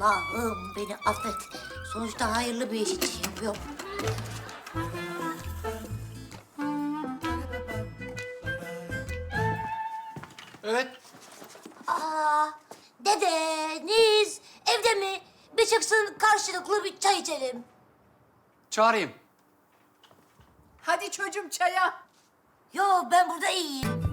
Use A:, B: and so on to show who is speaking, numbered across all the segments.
A: Allah'ım beni affet. Sonuçta hayırlı bir iş için yapıyorum.
B: Evet.
A: Aa, dedeniz evde mi? Bir çıksın karşılıklı bir çay içelim.
B: Çağırayım.
C: Hadi çocuğum çaya.
A: Yo ben burada iyiyim.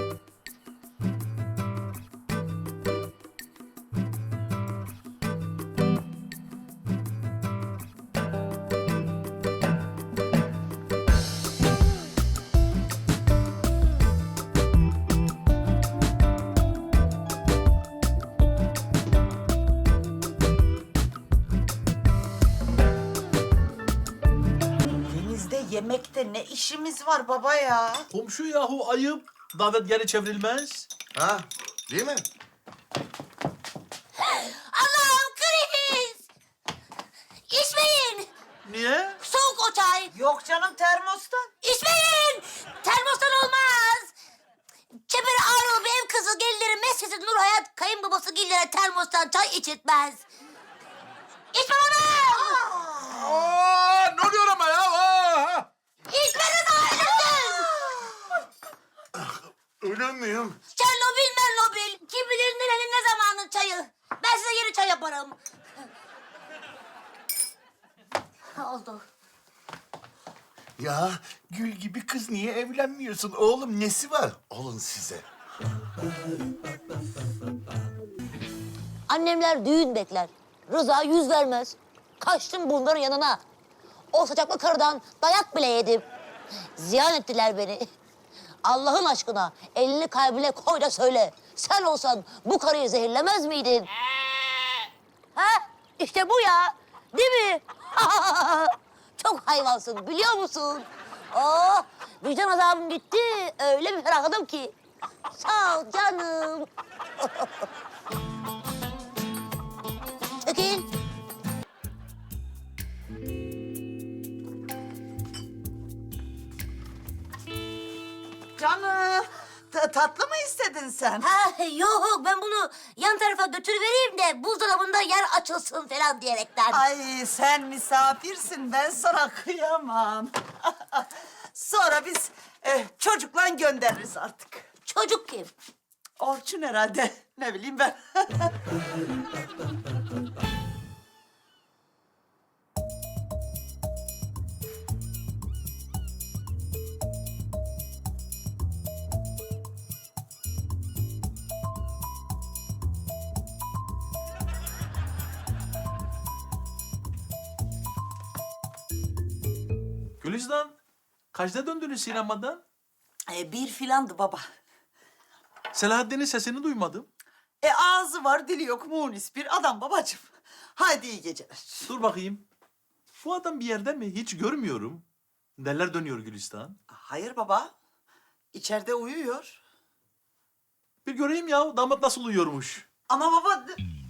D: Denizde yemekte ne işimiz var baba ya?
E: Komşu yahu ayıp. Davet geri çevrilmez.
F: Ha, değil mi?
A: Allah'ım kriz! İçmeyin!
E: Niye?
A: Soğuk o çay.
D: Yok canım termostan.
A: İçmeyin! Termostan olmaz. Çeperi ağrılı bir ev kızı gelinleri mescidi Nur Hayat kayınbabası gillere termostan çay içirtmez. İçme onu!
F: Aa, ne oluyor ama ya? Aa!
A: İçmeniz ayrılsın!
F: Öyle miyim?
A: Çernobil mernobil. Kim bilir nerenin ne zamanın çayı. Ben size yeni çay yaparım. Oldu.
F: Ya gül gibi kız niye evlenmiyorsun oğlum? Nesi var? Olun size.
A: Annemler düğün bekler. Rıza yüz vermez. Kaçtım bunların yanına. O saçaklı karıdan dayak bile yedim. Ziyan ettiler beni. Allah'ın aşkına elini kalbine koy da söyle. Sen olsan bu karıyı zehirlemez miydin? Ha? İşte bu ya. Değil mi? Çok hayvansın biliyor musun? Oh, vicdan azabım gitti. Öyle bir ferahladım ki. Sağ ol canım. Çekil.
D: Canım tatlı mı istedin sen?
A: Ha yok ben bunu yan tarafa götürüvereyim de buzdolabında yer açılsın falan diyerekten.
D: Ay sen misafirsin ben sana kıyamam. Sonra biz çocukla göndeririz artık.
A: Çocuk kim?
D: Orçun herhalde ne bileyim ben.
E: Gülistan, kaçta döndünüz sinemadan?
D: Bir filandı baba.
E: Selahattin'in sesini duymadım.
D: Ağzı var dili yok munis bir adam babacığım. Hadi iyi geceler.
E: Dur bakayım. Bu adam bir yerde mi? Hiç görmüyorum. Neler dönüyor Gülistan?
D: Hayır baba. İçeride uyuyor.
E: Bir göreyim ya damat nasıl uyuyormuş.
D: Ama baba...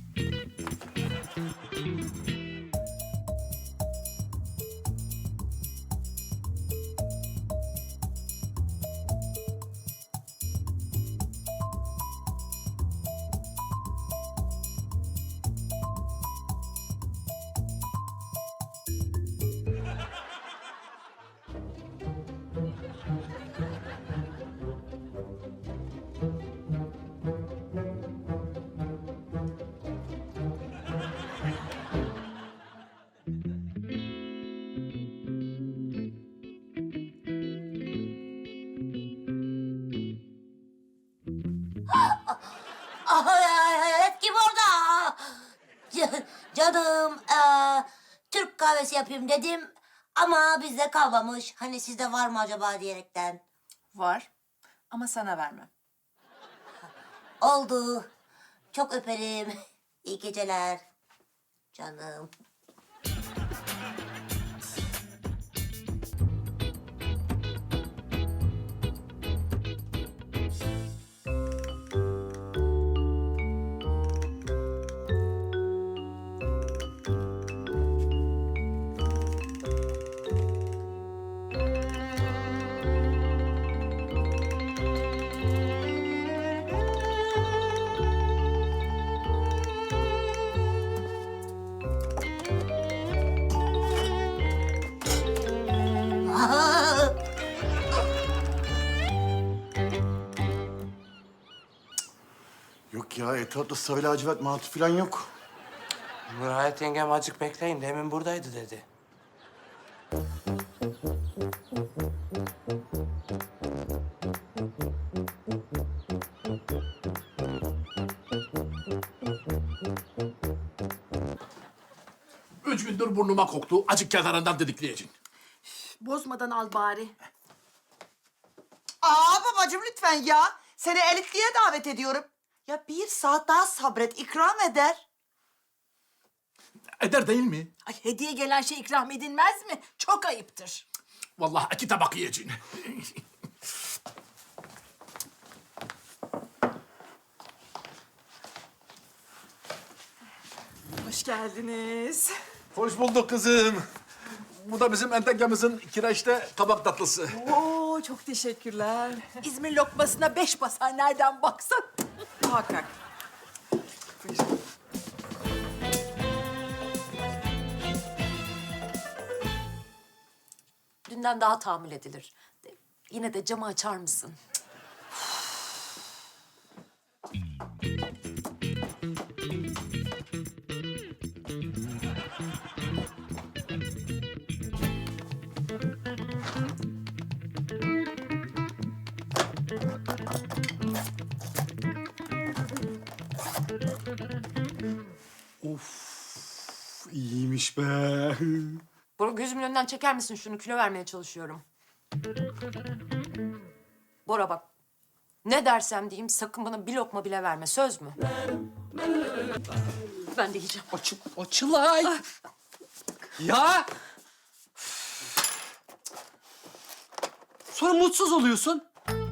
A: Hayalet kim orada? Canım Türk kahvesi yapayım dedim ama bizde kalmamış. Hani sizde var mı acaba diyerekten.
C: Var ama sana vermem.
A: Oldu. Çok öperim. İyi geceler. Canım.
F: Yok ya, etrafta sarı lacivert mantı falan yok.
G: Nurhayat yengem acık bekleyin. Demin buradaydı dedi.
H: Üç gündür burnuma koktu. Acık kenarından dedikleyeceksin.
C: Bozmadan al bari.
D: Aa babacığım lütfen ya. Seni elitliğe davet ediyorum. Ya bir saat daha sabret, ikram eder.
H: Eder değil mi?
C: Ay hediye gelen şey ikram edilmez mi? Çok ayıptır.
H: Vallahi iki tabak yiyeceksin.
C: Hoş geldiniz.
H: Hoş bulduk kızım. Bu da bizim entengemizin kireçte kabak tatlısı.
C: Oo çok teşekkürler. İzmir lokmasına 5 basar nereden baksan. Muhakkak.
I: Dünden daha tahammül edilir. Yine de camı açar mısın?
F: İyiymiş be.
I: Bora gözümün önünden çeker misin şunu? Kilo vermeye çalışıyorum. Bora bak. Ne dersem diyeyim sakın bana bir lokma bile verme. Söz mü? Ben de yiyeceğim.
B: Açılay. Ya. Sonra mutsuz oluyorsun.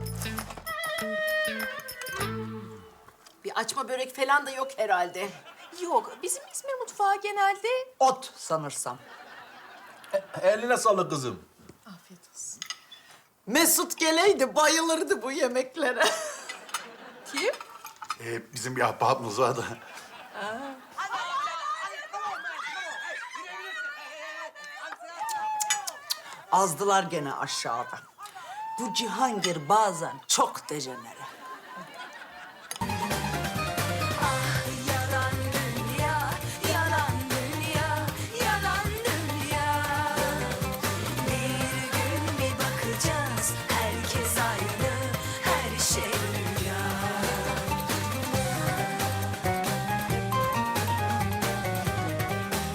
C: Bir açma börek falan da yok herhalde.
I: Yok, bizim İzmir mutfağı genelde...
D: Ot sanırsam.
E: Eline sağlık kızım.
I: Afiyet olsun.
D: Mesut geleydi bayılırdı bu yemeklere.
I: Kim?
F: Bizim bir ahbabımız var da.
D: Azdılar gene aşağıda. Bu Cihangir bazen çok dejenere.